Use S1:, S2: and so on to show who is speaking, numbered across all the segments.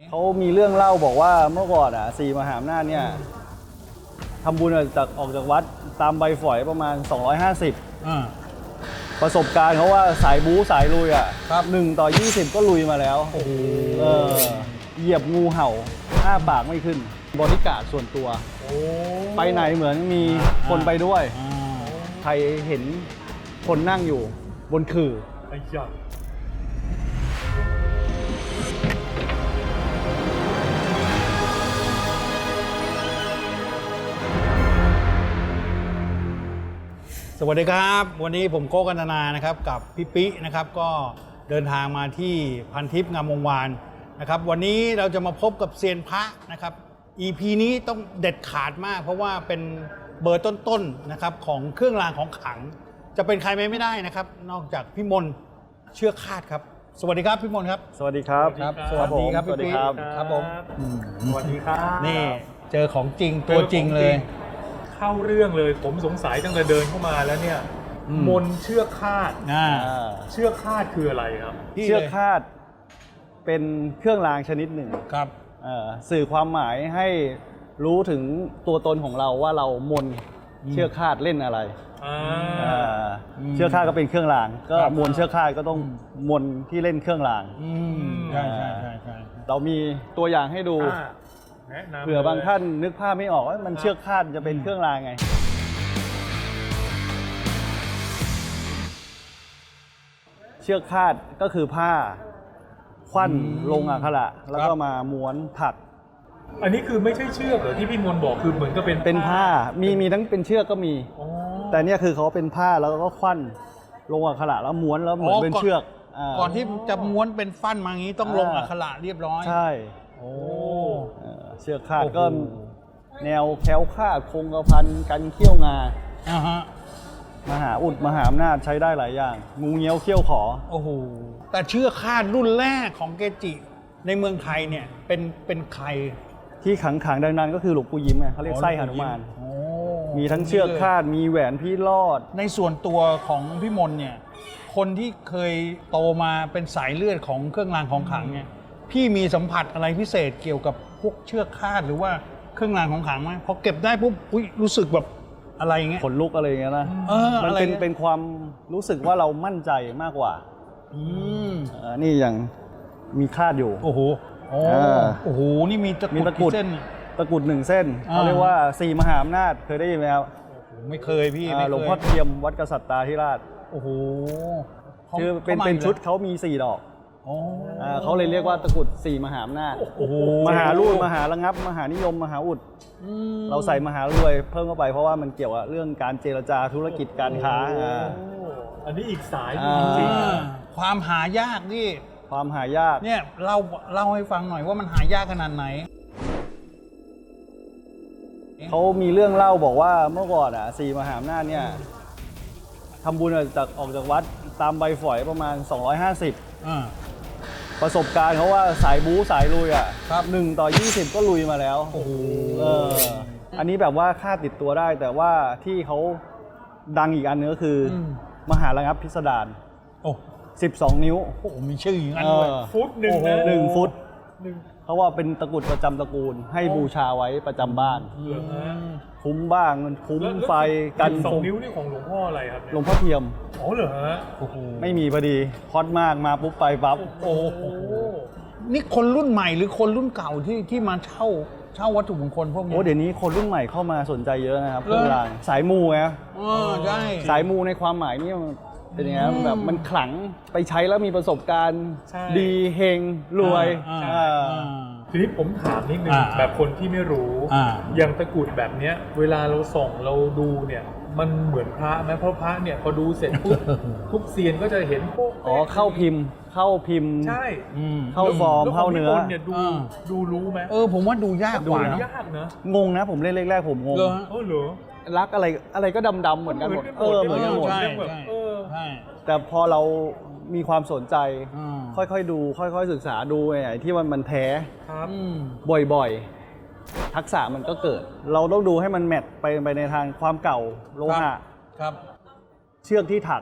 S1: เขามีเรื่องเล่าบอกว่าเมื่อก่อนสี่มหาอำนาจเนี่ยทำบุญออกจากวัดตามใบฝอยประมาณ 250ประสบการณ์เขาว่าสายบู๊สายลุย1 ต่อ 20ก็ลุยมาแล้วเหยียบงูเห่าอ้าปากไม่ขึ้นบริการดส่วนตัวไปไหนเหมือนมีคนไปด้วยใครเห็นคนนั่งอยู่บนขื่อไอ้ยักษ์
S2: สวัสดีครับวันนี้ผมโก้กันนานะครับกับพี่ปินะครับก็เดินทางมาที่พันทิพย์งามวงวานนะครับวันนี้เราจะมาพบกับเซียนพระนะครับ EP นี้ต้องเด็ดขาดมากเพราะว่าเป็นเบอร์ต้นๆนะครับของเครื่องรางของขลังจะเป็นใครไม่ได้นะครับนอกจากพี่มนเชือกคาดครับสวัสดีครับพี่มนครับ
S1: สวัสดีครับ
S2: สวัสดีครับพี่ปิครับผม
S3: สวัสดีครับ
S2: นี่เจอของจริงตัวจริงเลย
S3: เข้าเรื่องเลยผมสงสัยตั้งแต่เดินเข้ามาแล้วเนี่ยมนเชือกคาดเชือกคาดคืออะไรครับ
S1: เชือกคาดเป็นเครื่องรางชนิดหนึ่ง
S2: ครับ
S1: สื่อความหมายให้รู้ถึงตัวตนของเราว่าเรามนเชือกคาดเล่นอะไรเชือกคาดก็เป็นเครื่องรางก็มนเชือกคาดก็ต้องมนที่เล่นเครื่องราง
S2: ใช่
S1: เรามีตัวอย่างให้ดูเผื่อบางท่านนึกภาพไม่ออกว่ามันเชือกคาดจะเป็นเครื่องรางไงเชือกคาดก็คือผ้าควันลงอักขระแล้วก็มาม้วนถัก
S3: อันนี้คือไม่ใช่เชือกเหรอที่พี่มนบอกคือเหมือนกับ
S1: เป็นผ้ามีทั้งเป็นเชือกก็มีแต่เนี่ยคือเขาเป็นผ้าแล้วก็ควันลงอักขระแล้วม้วนแล้วเหมือนเป็นเชือก
S2: ก่อนที่จะม้วนเป็นฟันมางี้ต้องลงอักขระเรียบร้อย
S1: ใช่เชือกคาดก็แนวแคล้วคลาดคงกระพันกันเขี้ยวงามหาอุดมหาอำนาจใช้ได้หลายอย่างงูเงี้ยวเขี้ยวขอ
S2: โอ้โหแต่เชือกคาดรุ่นแรกของเกจิในเมืองไทยเนี่ยเป็นใคร
S1: ที่ขังดังๆก็คือหลวงปู่ยิ้มไงเขาเรียกไส้หนุมานมีทั้งเชือกคาดมีแหวนพี่รอด
S2: ในส่วนตัวของพี่มนเนี่ยคนที่เคยโตมาเป็นสายเลือดของเครื่องรางของขลังเนี่ยพี่มีสัมผัสอะไรพิเศษเกี่ยวกับพวกเชือกคาดหรือว่าเครื่องรางของขลังไหมพอเก็บได้ปุ๊บรู้สึกแบบอะไรเงี้ย
S1: ขนลุกอะไรเงี้ยนะมันเป็นความรู้สึกว่าเรามั่นใจมากกว่านี่อย่างมีคาดอยู่
S2: โอ้โหโอ้โหนี่มีตะกุดเส้น
S1: ตะกุด1 เส้นเขาเรียกว่า4 มหาอำนาจเคยได้ยินไหมครับ
S2: ไม่เคยพี่
S1: หลวงพ่อเทียมวัดกษัตริย์ตาธิราช
S2: โอ้โห
S1: คือเป็นชุดเขามี4 ดอกเขาเลยเรียกว่าตะกุด4 มหาอำนาจมหาลูดมหาระงับมหานิยมมหาอุดเราใส่มหารวยเพิ่มเข้าไปเพราะว่ามันเกี่ยวกับเรื่องการเจรจาธุรกิจการค้า
S3: อันนี้อีกสายจริง
S2: ความหายากนี่
S1: ความหายาก
S2: เนี่ยเล่าให้ฟังหน่อยว่ามันหายากขนาดไหน
S1: เขามีเรื่องเล่าบอกว่าเมื่อก่อนสี่มหาอำนาจเนี่ยทำบุญออกจากวัดตามใบฝอยประมาณ 250ประสบการณ์เขาว่าสายบู๊สายลุย1 ต่อ 20ก็ลุยมาแล้วอันนี้แบบว่าค่าติดตัวได้แต่ว่าที่เขาดังอีกอันนึงก็คือมหาระงับพิสดาร12 นิ้ว
S2: โอ้มีชื่ออย่างนั้นด้วย
S3: ฟุต
S1: 1 ฟุตเพราะว่าเป็นตะกุดประจำตระกูลให้บูชาไว้ประจำบ้านคุ้มบ้างคุ้มไฟกัน
S3: 2 นิ้วนี่ของหลวงพ่ออะไรครับ
S1: หลวงพ่อเทียม
S3: เหรอฮะ
S1: ไม่มีพอดีฮอตมากมาปุ๊บไปปั๊บ
S2: โอ้โหนี่คนรุ่นใหม่หรือคนรุ่นเก่าที่มาเช่าวัตถุมงคลพวกนี้
S1: เดี๋ยวนี้คนรุ่นใหม่เข้ามาสนใจเยอะนะครับเครื่องรางสายมูไง
S2: ใช่
S1: สายมูในความหมายนี่เป็นยังไงแบบมันขลังไปใช้แล้วมีประสบการณ์ดีเฮงรวย
S3: ทีนี้ผมถามนิดนึงแบบคนที่ไม่รู้อย่างตะกุดแบบเนี้ยเวลาเราส่องเราดูเนี่ยมันเหมือนพระไหมเพราะพระเนี่ยพอดูเสร็จปุ๊บทุกเซียนก็จะเห็นพวก
S1: เข้าพิมพ์ใช่เข้าฟอร์มเข้าเนื้อ
S3: เนี่ยดูรู้ไหม
S2: ผมว่าดูยากกว่านะ
S3: ยากนะ
S1: งงนะผมเล่นแรกๆผมงง
S3: เหรอ
S1: รักอะไรก็ดำๆเหมือนกันหมดเหมือนกันหมด
S2: ใช่
S1: แต่พอเรามีความสนใจค่อยๆดูค่อยๆศึกษาดูไอ้ที่มันแท้บ่อยๆทักษะมันก็เกิดเราต้องดูให้มันแมทไปในทางความเก่าโลหะเชือกที่ถัก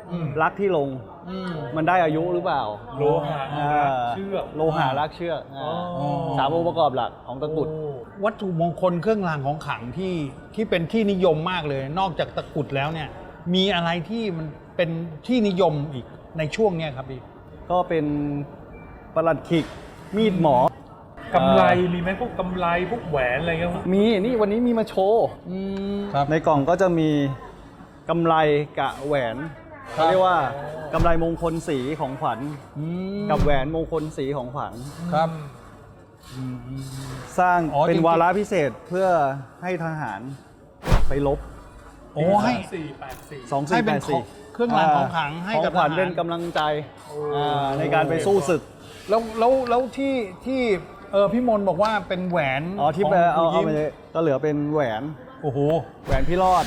S1: รักที่ลง มันได้อายุหรือเปล่า
S3: โลหะเชือก
S1: โลหะรักเชือกสามองค์ประกอบหลักของตะกรุด
S2: วัตถุมงคลเครื่องรางของขลังที่เป็นที่นิยมมากเลย นอกจากตะกรุดแล้วเนี่ยมีอะไรที่มันเป็นที่นิยมอีกในช่วงเนี้ยครับพี่
S1: ก็เป็นประหลัดขิกมีดหมอ
S3: กำไรมีไหมพวกกำไรพวกแหวนอะไรเงี้ย
S1: มีนี่วันนี้มีมาโชว์
S2: ครับ
S1: ในกล่องก็จะมีกำไรกะแหวนเขาเรียกว่ากำไรมงคลสีของขวัญกับแหวนมงคลสีของขวัญ
S2: ครับ
S1: สร้าง
S2: อ๋อ
S1: เป็น
S2: จริงๆ
S1: วาระพิเศษเพื่อให้ทหารไปลบ
S2: โอ้ให้
S3: 484
S2: ให้เป็นของ
S1: 2484
S2: เครื่องรางของขลังให้กับ
S1: ของขวัญ
S2: ทหาร
S1: เป็นกำลังใจในการไปสู้ศึก
S2: แล้วที่พี่มนต์บอกว่าเป็นแหวน
S1: อ๋อที่ไป
S2: ข
S1: เอา
S2: งครู
S1: ไป
S2: ยิ้ม
S1: เลยก็เหลือเป็นแหวน
S2: โอ้โห
S1: แหวนพี่รอด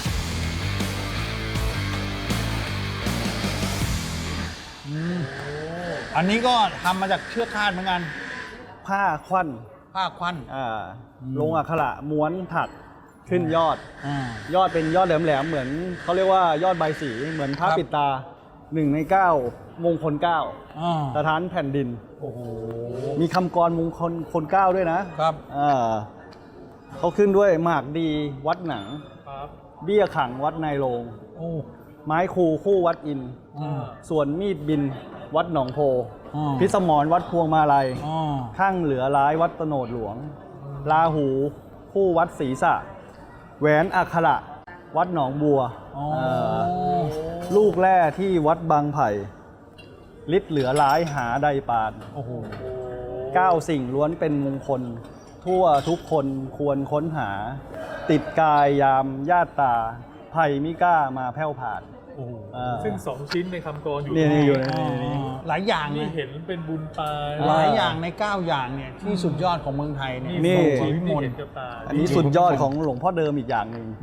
S2: อันนี้ก็ทำมาจากเชือกคาดเหมือนกัน
S1: ผ้าควัน
S2: ผ้าควัน
S1: ลงอักขระม้วนถักขึ้นยอด
S2: อ่าย
S1: อดเป็นยอดแหลมๆเหมือนเขาเรียกว่ายอดใบสีเหมือนพระ
S2: ครับ
S1: ปิดตา1 ใน 9 มงคล 9
S2: อ่า
S1: สถานแผ่นดิน
S2: โอ้โห
S1: มีคำกรมงคล 9 ด้วยนะครับ เขาขึ้นด้วยหมากดีวัดหนัง
S3: ครับ
S1: เบี้ยขังวัดนายโรง
S2: โอ้
S1: ไม้คูคู่วัดอิน
S2: อ่า
S1: ส่วนมีดบินวัดหนองโพ
S2: อ่า
S1: พิสมรวัดพวงมาลัย
S2: อ่า
S1: ข้างเหลือร้ายวัดตโนดหลวง ลาหูคู่วัดศรีสะแหวนอักขระวัดหนองบัว
S2: อ๋อ
S1: ลูกแร่ที่วัดบางไผ่ฤทธิ์เหลือร้ายหาใดปาน
S2: โอ้โห
S1: 9 สิ่งล้วนเป็นมงคล ทั่วทุกคนควรค้นหา ติดกายยามญาติตาไผ่มิกล้ามาแผ่วผ่าน
S2: โอ้โห
S3: ซึ่ง 2 ชิ้นในคำกรอยู่
S1: นี่อยู่ใน
S2: อ่าหลายอย่าง
S3: นี่
S2: นะ
S3: เห็นเป็นบุญตา
S2: หลายอย่างใน 9 อย่างเนี่ยที่สุดยอดของเมืองไทยเนี่ย
S1: นี่
S3: สอง
S2: ของ
S3: ชิ้น
S2: พี่ม
S3: ที่
S2: น
S3: เห็
S2: ต์
S3: นกับตา
S1: อันนี้สุดยอดของหลวงพ่อเดิมอีกอย่างหนึ่ง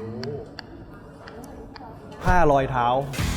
S1: ผ้ารอยเท้า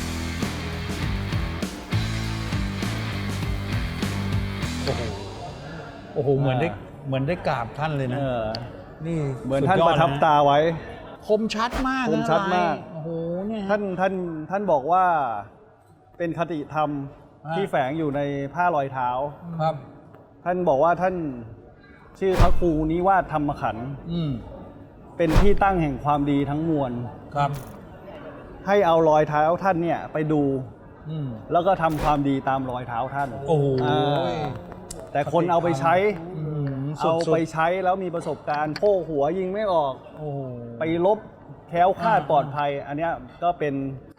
S2: โอ้โหเหมือนได้กราบท่านเลยนะ นี่
S1: เหมือนท่าน
S2: สุดย
S1: ป
S2: อด
S1: ระทับ
S2: นะ
S1: ตาไว้
S2: คมชัดมากนะ
S1: คมชัดมาก
S2: ลยโอ้โหเนี่ย
S1: ท่านบอกว่าเป็นคติธรรม
S2: อ่า
S1: ที่แฝงอยู่ในผ้ารอยเท้า
S2: ครับ
S1: ท่านบอกว่าท่านชื่อพระครูนิวาสธรรมขันธ์
S2: อืม
S1: เป็นที่ตั้งแห่งความดีทั้งมวล
S2: ครับ
S1: ให้เอารอยเท้าท่านเนี่ยไปดู
S2: อืม
S1: แล้วก็ทำความดีตามรอยเท้าท่าน
S2: โอ้โห
S1: แต่คนเอาไปใช้
S2: อืม
S1: เอาไปใช้แล้วมีประสบการณ์โค้หัวยิงไม่ออก
S2: โอ้โห
S1: ไปลบแคล้วคลาดปลอดภัย อันเนี้ยก็เป็น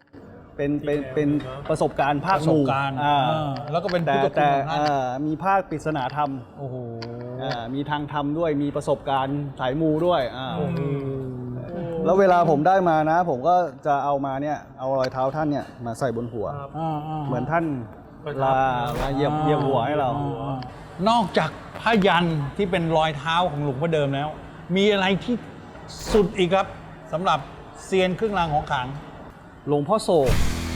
S1: ประสบการณ์ภา
S2: ป
S1: ค
S2: ระ
S1: ห
S2: สบ
S1: มู่
S2: การณ์
S1: อ่า
S2: แล้วก็เป็น
S1: แต่
S2: พุทธคุณ
S1: แต่
S2: ของท่าน
S1: มีภาคปริศนาธรรม
S2: โอ้โห
S1: มีทางธรรมด้วยมีประสบการณ์สายมูด้วย
S2: โอ้โห
S1: แล้วเวลาผมได้มานะ ผมก็จะเอามาเนี่ยเอารอยเท้าท่านเนี่ยมาใส่บนหัว
S3: ครับ
S1: เหมือนท่าน
S3: ประทับ
S1: ลาเหยียบหัวให้เรา
S2: นอกจากผ้ายันที่เป็นรอยเท้าของหลวงพ่อเดิมแล้ว มีอะไรที่สุดอีกครับสำหรับเซียนเครื่องรางของขลัง
S1: หลวงพ่อโศก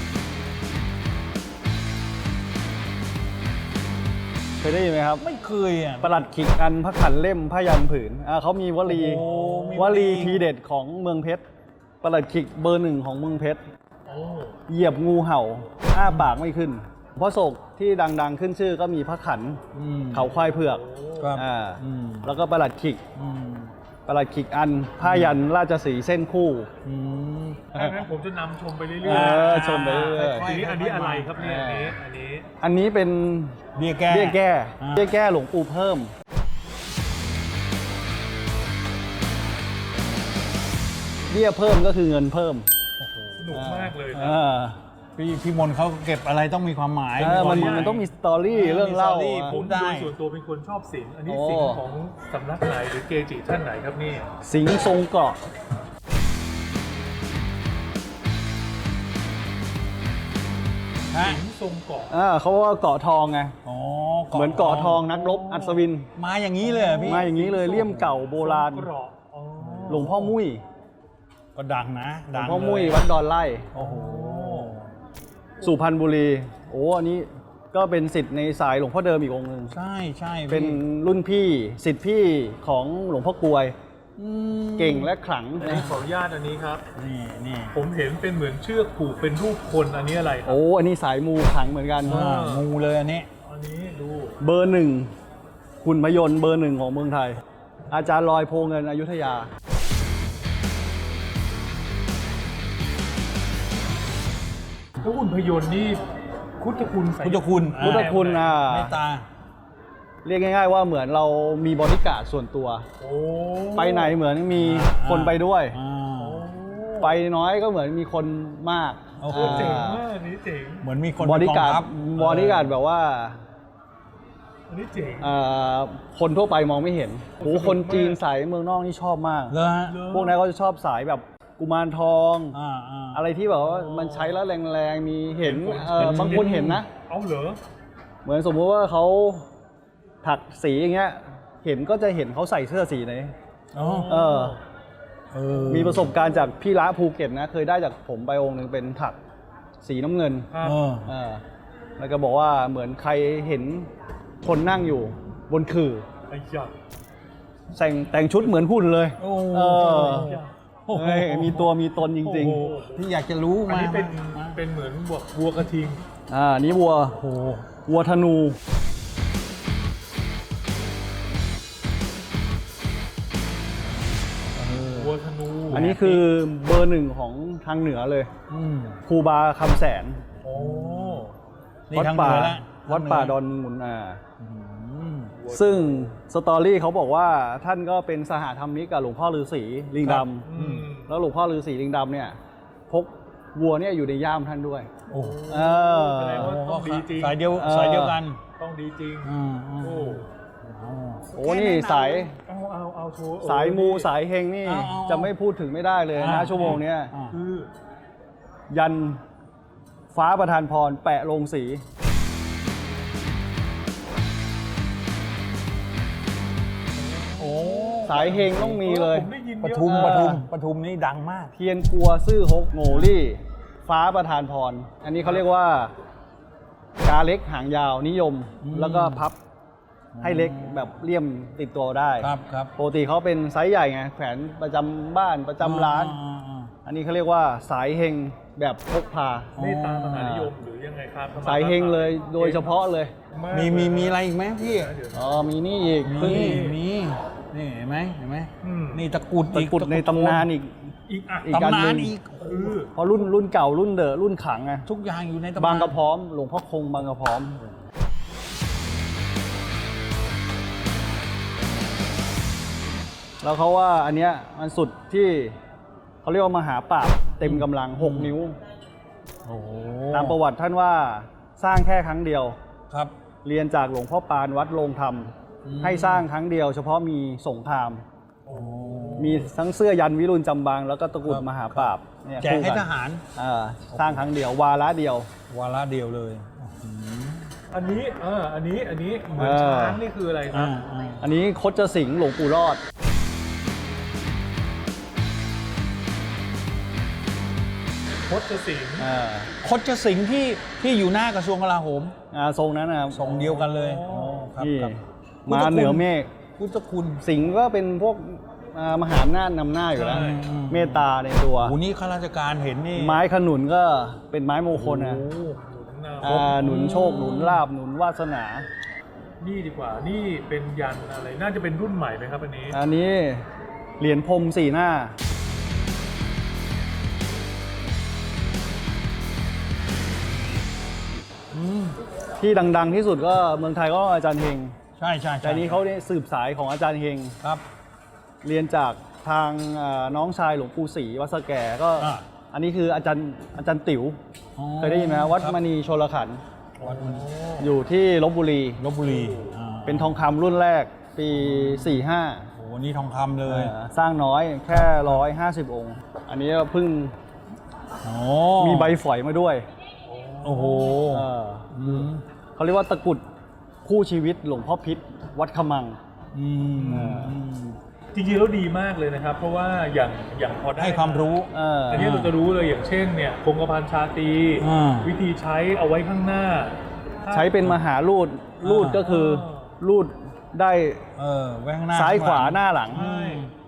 S1: เคยได้ยินไหมครับ
S2: ไม่เคยอ่ะ
S1: ประหลัดขิกอันพระขันเล่มผ้ายันผืนเขามีวลี
S2: โอ้มี
S1: ว
S2: วลี
S1: ลีทีเด็ดของเมืองเพชรประหลัดขิกเบอร์ 1ของเมืองเพชร
S3: โอ้
S1: เหยียบงูเห่าอ้าปากไม่ขึ้นหลวงพ่อโศกที่ดังๆขึ้นชื่อก็มีพระขัน
S2: อืม
S1: เขาควายเผือก
S2: ครับ
S1: อืมแล้วก็ประหลัดขิก
S2: อืม
S1: ประหลัดขิกอันผ้ายันราชสีห์เส้นคู่
S2: อืม
S3: ถ้างั้นผมจะนำชมไปเรื่
S1: เอ
S3: อย
S1: อชมไปเรื่อย
S3: ๆทีนี้อันนี้อะไรครับเนี่ยอันนี้
S1: อันนี้เป็น
S2: เบี้ยแก้
S1: เบี้ยแก้
S2: อ่า
S1: เบี้ยแก้หลวงปู่เพิ่ม เบี้ยเพิ่มก็คือเงินเพิ่ม
S3: สนุกมากเลยนะ
S1: อ่า
S2: พี่มนต์เขาเก็บอะไรต้องมีความหมาย
S1: มัน
S2: ควาหาย
S1: มันต้องมีสตอรี่
S2: เออ
S1: เรื่องเล่า
S2: มีสตอรี่
S3: ผม
S2: ได้
S3: โดยส่วนตัวเป็นคนชอบศิลป์อันนี้
S1: โอ้
S3: ศิลป์ของสำนักไหนหรือเกจิท่านไหนครับนี่
S1: สิงห์ทรงเกาะ
S2: ฮะ
S3: ศิลป์ทรงเกาะ
S1: เขาว่าเกาะทองไง
S2: อ๋อ
S1: เหมือนเกาะทองนักรบอัศวิน
S2: มาอย่างนี้เลยเหรอพี่
S1: มาอย่างนี้เลยเลี่ยมเก่าโบราณ
S3: เกราะอ๋อ
S1: หลวงพ่อมุ้ย
S2: ก็ดังนะ
S1: หลว
S2: ดั
S1: ง
S2: ง
S1: พ่อมุ้ย
S2: เลย
S1: วัดดอนไล่
S2: โอ้โห
S1: สุพรรณบุรี โอ้อันนี้ก็เป็นศิษย์ในสายหลวงพ่อเดิมอีกองค์หนึ่ง
S2: ใช่ใช่พี่
S1: เป็นรุ่นพี่ศิษย์พี่ของหลวงพ่อกลวยเก่งและขลัง
S3: อันนี้ขออนุญาตอันนี้ครับ
S2: นี่
S3: ผมเห็นเป็นเหมือนเชือกผูกเป็นรูปคนอันนี้อะไรครับ
S1: โอ้อันนี้สายมูขลังเหมือนกัน
S2: งูเลยอันนี้
S3: อันนี้ดู
S1: เบอร์หนึ่งหุ่นพยนต์เบอร์หนึ่งของเมืองไทย อาจารย์ลอยโพเงินอยุธยา
S3: แล้วหุ่นพยนต์นี่พุทธคุณใส่
S2: พุทธคุณ
S1: พุทธคุณ
S2: เมตตา
S1: เรียกง่ายๆว่าเหมือนเรามีบริการดส่วนตัว
S3: โอ้
S1: ไปไหนเหมือนมีคนไปด้วย
S2: อ่า
S1: ไปน้อยก็เหมือนมีคนมาก
S2: โอ้โห
S3: เจ๋งมากอันนี้เจ๋ง
S2: เหมือนมีคน
S1: บริการ
S2: เป็นกองทัพ
S1: บริการแบบว่า
S3: อันนี้เจ๋ง
S1: คนทั่วไปมองไม่เห็นโอ้คนจีนสายเมืองนอกนี่ชอบมาก
S2: เหรอฮะ
S1: พวกนั้นเขาจะชอบสายแบบกุมารทอง
S2: อ่า
S1: อะไรที่แบบว่ามันใช้แล้วแรงๆ มีเห็นบางคนเห็นนะ
S3: เอาเหรอ
S1: เหมือนสมมติว่าเขาถักสีอย่างเงี้ย เห็นก็จะเห็นเขาใส่เสื้อสีไหน
S2: อ๋อ
S1: เออ
S2: เออ
S1: มีประสบการณ์จากพี่ละภูเก็ตนะ เคยได้จากผมไปองค์หนึ่งเป็นถักสีน้ำเงิน
S3: ครับ
S2: เออ
S1: เออแล้วก็บอกว่าเหมือนใครเห็นคนนั่งอยู่บนขื่อ
S3: ไอ้ยักษ์
S1: แต่งชุดเหมือนหุ่นเลย
S2: โอ้
S1: เออ
S2: โอ้โห
S1: เฮ้ยมีตัวมีตนจริง
S2: โอ้โหที่อยากจะรู้
S3: อัน
S2: มา
S3: นี้เป็น
S2: มา
S3: เป็นเหมือนวัวกระทิง
S1: ๆนี่วัว
S2: โอ้โห
S1: วัวธนู
S3: วัวธนู
S1: อันนี้คือเบอร์หนึ่งของทางเหนือเลย
S2: อืม
S1: ครูบาคำแสน
S3: โอ้
S2: นี่
S1: วัด
S2: ทาง
S1: ป่า
S2: เหนือละ
S1: วัดป่า
S2: ทงเห
S1: ดอนมูล
S2: อืม
S1: ซึ่งสตอรี่เขาบอกว่าท่านก็เป็นสหธรรมิกกับหลวงพ่อฤาษีลิงด
S3: อืม
S1: ำแล้วหลวงพ่อฤาษีลิงดำเนี่ยพกวัวเนี่ยอยู่ในย่ามท่านด้วย
S2: โอ้
S1: เออ
S3: แสดงว่าต้องดีจริง
S2: สายเดียว
S1: เออ
S2: สายเดียวกัน
S3: ต้องดีจริง
S2: อืม
S3: โอ้
S1: โอ้นี่สาย
S3: เอาโชว์
S1: สายมูสายเฮงนี่
S2: เอา
S1: จะไม่พูดถึงไม่ได้เลยนะชั่วโมงเนี้ย
S2: อ่า
S3: คือ
S1: ยันฟ้าประทานพรแปะลงสี
S2: โอ้
S1: สายเฮงต้องมีเลย
S3: ผมได้ยิน
S2: ป
S3: เยอะ
S2: ทุม
S1: เออ
S2: ปทุมนี่ดังมาก
S1: เทียนกัวซื่อฮกโง่ลี่ ฟ้าประทานพร อันนี้เขาเรียกว่ากาเล็กหางยาวนิยม แล้วก็พับให้เล็กแบบเลี่ยมติดตัวได้
S2: ครับ
S1: ปกติเขาเป็นไซส์ใหญ่ไงแขวนประจำบ้านประจำร้าน อันนี้เขาเรียกว่าสายเฮงแบบพกพา
S3: เมตตามหานิยมหรือยังไงครับ
S1: สายเฮงเลยโดยเฉพาะเลย
S3: าก
S2: มีอะไรอีกไหมพี่
S3: เดี๋ยว
S1: อ๋อมีนี่อีกเพิ่ง
S2: มีนี่เห็นไหม
S3: อืม
S2: นี่ตะกรุด
S1: ตะกรุดในตำนานอีก
S3: อีกอ่ะ
S1: อีกอัน
S2: ตำ
S1: ห
S2: นา
S1: นึ่
S2: น
S1: ง
S2: อีก
S3: คือ
S1: เพราะรุ่นเก่ารุ่นเดอะรุ่นขังไง
S2: ทุกอย่างอยู่ในตำนาน
S1: บางกระพร้อมหลวงพ่อคงบางกระพร้อม แล้วเขาว่าอันเนี้ยมันสุดที่เขาเรียกว่ามหาปราบเต็มกำลัง 6 นิ้ว
S2: โอ้โห
S1: ตามประวัติท่านว่าสร้างแค่ครั้งเดียว
S2: ครับ
S1: เรียนจากหลวงพ่อปานวัดโรงธรรม
S2: อืม
S1: ให้สร้างครั้งเดียว เฉพาะมีสงคราม
S2: โอ้
S1: มีทั้งเสื้อยันวิรุณจำบางแล้วก็ตะกรุด
S2: ครับ
S1: มหาปราบเนี่ย
S2: แจกให้
S1: คู่น
S2: ทหาร
S1: สร้างครั้งเดียว วาระเดียว
S2: วาระเดียวเลย
S3: อันนี้อันนี้เหมือน
S1: เออ
S3: ช้างนี่คืออะไรครับ
S1: อันนี้คดจะสิงห์หลวงปู่รอด
S3: พจน์สิงห์
S2: คดจะสิงห์ที่อยู่หน้ากระทรวงกลาโหม
S1: ทรงนั้นนะครับ
S2: ทรงเดียวกันเลยครับ
S1: นี่
S2: ครับ
S1: มาเหนือเมฆ
S2: พุทธคุณ
S1: สิงห์ก็เป็นพวกมหาอำนาจนำหน้าอยู่แล้ว
S3: ใช่
S1: เมตตาในตัว
S2: โอ้นี่ข้าราชการเห็นนี่
S1: ไม้ขนุนก็เป็นไม้มงคลนะ
S2: โอ้โห
S1: หนุนโชคหนุนลาบหนุนวาสนา
S3: นี่ดีกว่า นี่เป็นยันอะไร น่าจะเป็นรุ่นใหม่ไหมครับอันนี้
S1: อันนี้เหรียญพรมสี่หน้า ที่ดังๆที่สุดก็เมืองไทยก็อาจารย์เฮง
S2: ใช่
S1: แต่อันนี้เขาได้สืบสายของอาจารย์เฮง
S2: ครับ
S1: เรียนจากทางน้องชายหลวงปู่ศรีวัดสะแก่ก็ อันนี้คืออาจารย์ติ๋วเคยได้ยินไหมวัดมณีโชลขันธ์
S2: วัดมณี
S1: อยู่ที่ลบบุรี
S2: ลบบุรี
S1: เป็นทองคำรุ่นแรกปี 45
S2: โอ้นี่ทองคำเลย
S1: สร้างน้อยแค่ 150 องค์ อันนี้เพิ่ง
S2: โอ้
S1: มีใบฝอยมาด้วย
S2: โอ้โห
S1: เออ
S2: อืม
S1: เขาเรียกว่าตะกรุดคู่ชีวิตหลวงพ่อพิษวัดขมัง
S2: อืม
S3: จริงๆแล้วดีมากเลยนะครับ เพราะว่าอย่างพอได้
S2: ให้ความรู้
S3: อันนี้เราจะรู้เลยอย่างเช่นเนี่ยคงกระพันชาตรี
S2: อ่า
S3: วิธีใช้เอาไว้ข้างหน้า
S1: ใช้เป็นมหารูดรูดก็คือรูดได้
S2: ไว้ข้างหน้า
S1: ซ้ายขวา
S2: ข้ง
S1: หน้าหลัง
S3: ใช่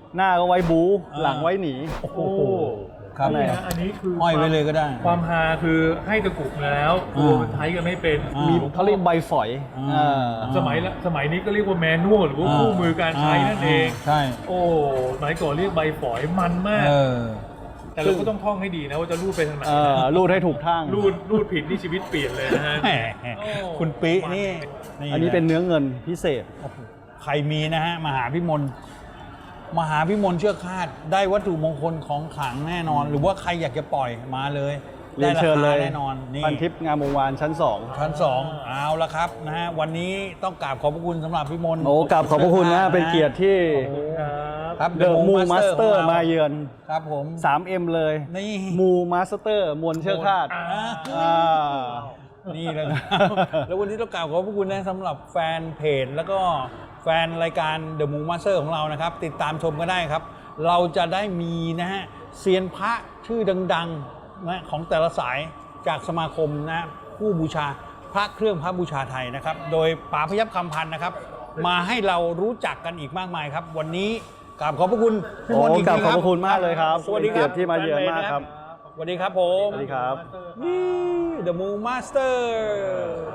S1: หน้าก็ไว้บู๊หลังไว้หนี
S2: โอ้โห
S3: โอ้
S2: ครับ
S3: นี่นะอันนี้คือ
S2: ห้อยไว้เลยก็ได้
S3: ความฮาคือให้ตะกรุดมาแล้วตัวมันใช้กันไม่เป็น
S2: อ่า
S1: มีเขาเรียกใบฝอย
S3: สมัยนี้ก็เรียกว่าแมนนวลหรือว่าคู่มือการใช้นั่นเอง
S2: ใช่
S3: โอ้สมัยก่อนเรียกใบฝอยมันมาก
S2: เออ
S3: แต่เราก็ต้องท่องให้ดีนะว่าจะรูดไปทางไหน
S1: รูดให้ถูกทาง
S3: รูดผิดนี่ชีวิตเปลี่ยนเลยนะฮะ
S2: แหม
S3: โอ้
S2: คุณปินี่
S1: อันนี้เป็นเนื้อเงินพิเศษ
S2: โอ้โหใครมีนะฮะมาหาพี่มนต์เชือกคาดได้วัตถุมงคลของขลังแน่นอน หรือว่าใครอยากจะปล่อยมาเลย
S1: เรียนเชิญเลย
S2: ได้ราคาแน่นอนนี่
S1: พันทิพย์งามวงวานชั้น 2
S2: ชั้น2เอาละครับนะฮะวันนี้ต้องกราบขอบพระคุณสำหรับพี่มนต์
S1: โอ้กราบขอบพระคุณนะเป็นเกียรติที่
S3: ครับ
S1: เดอะมูมาสเตอร์มาเยือน
S2: ครับผม
S1: 3M เลย
S2: นี่
S1: มูมาสเตอร์มวลเชือกคาด อ่า
S2: นี่เลยนะครับ แล้ววันนี้ต้องกราบขอบพระคุณนะสำหรับแฟนเพจแล้วก็แฟนรายการ The Moon Master ของเรานะครับ ติดตามชมก็ได้ครับ เราจะได้มีนะฮะเซียนพระชื่อดังๆนะของแต่ละสายจากสมาคมนะผู้บูชาพระเครื่องพระบูชาไทยนะครับ โดยป๋าพยัคฆ์คำพันธ์นะครับ มาให้เรารู้จักกันอีกมากมายครับ วันนี้กราบขอบพระคุณพี่มนต์อีก
S1: กราบ
S2: ที
S1: ขอบ
S2: ค
S1: พ
S2: รั
S1: ระคุณมากเลยครับ
S2: สวัสดีครับ
S1: เป็นเกียรติที่มาเยือนมากครับ
S2: สวัสดีครับผม
S1: สวัสดีครับ
S2: นี่ The Moon Master